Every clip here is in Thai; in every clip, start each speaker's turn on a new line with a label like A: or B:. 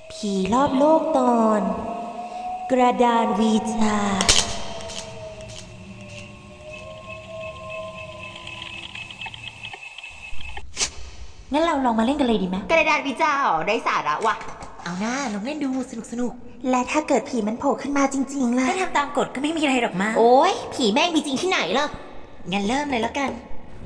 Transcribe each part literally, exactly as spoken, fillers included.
A: ผีรอบโลกตอน กระดานวีจางั้นเราลองมาเล่นกันเลยดีไหม
B: กระดานวิจาอ๋อได้สาระว่ะ
A: เอาหน้าลองเล่นดูสนุกสนุกและถ้าเกิดผีมันโผล่ขึ้นมาจริงๆล่ะถ้าทำตามกฎก็ไม่มีอะไรหรอกมา
B: โอ้ยผีแม่งมีจริงที่ไหนล่ะ
A: งั้นเริ่มเลยแล้วกัน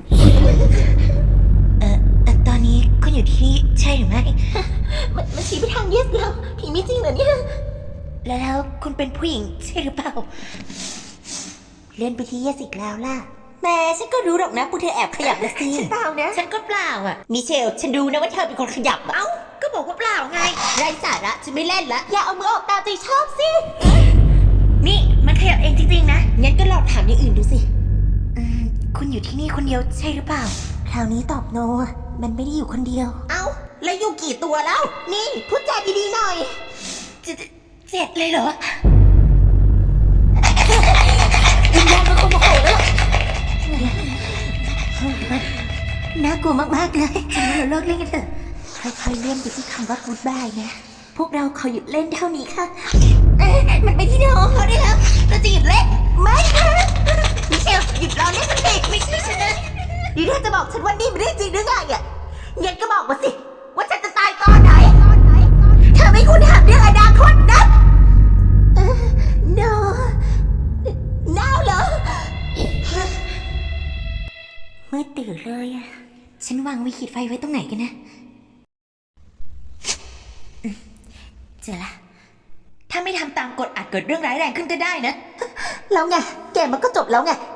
A: เออเอ่อตอนนี้คุณอยู่ที่นี่ใช่หรือไม่
B: มันมันชี้ไปทางเยสแล้วผีมีจริงเหรอเนี่ย
A: แล้วคุณเป็นผู้หญิงใช่หรือเปล่า เล่นไปที่เยสอีกแล้วล่ะแม่ฉันก็รู้หรอกนะปูเธอแอบขยับนะสิ
B: ฉันเปล่านะ
A: ฉันก็เปล่าอ่ะ
B: มิเชลฉันรู้นะว่าเธอเป็นคนขยับอะเอ้า
A: ก็บอกว่าเปล่าไง
B: ไร้สาระฉันไม่เล่นละอย่าเอามือออกตามใจชอบสิ
A: นี่มันขยับเองจริงๆนะ
B: งั้นก็ลองถามอย่างอื่นดูสิ
A: อืมคุณอยู่ที่นี่คนเดียวใช่หรือเปล่าคราวนี้ตอบโนมันไม่ได้อยู่คนเดียว
B: เอ้าแล้วอยู่กี่ตัวแล้วนี่พูดจาดีๆหน่อย
A: เจ็ดเจ็ดเลยเหรอ
B: วิญญาณมันคงมาโผล่แล้ว
A: น่ากลัวมากๆเลยฉันว่าเราเลิกเล่นกันเถอะค่อยๆเลื่อนไปที่คำว่า goodbye นะพวกเราขอหยุดเล่นเท่านี้ค่ะ
B: เอ๊ะมันไปที่น้องเขาได้แล้วเราจะหยุดเล่นไม่ค่ะมิเชลหยุดรอเล่นสักทีไม่ใช่ฉันนะนี่เธอจะบอกฉันว่านี่ไม่ได้จริงหรือไงอ่ะงั้นก็บอกมาสิว่าฉันจะตายตอนไหนเธอไม่ควรถามเรื่องอนาคตนะเออ no now เหรอ
A: มืดตื่นเลยอะฉันวางวิขีดไฟไว้ตรงไหนกันนะเจอละถ้าไม่ทำตามกฎอาจเกิดเรื่องร้ายแรงขึ้นก็ได้นะ
B: แล้วไงแกมันก็จบแล้วไง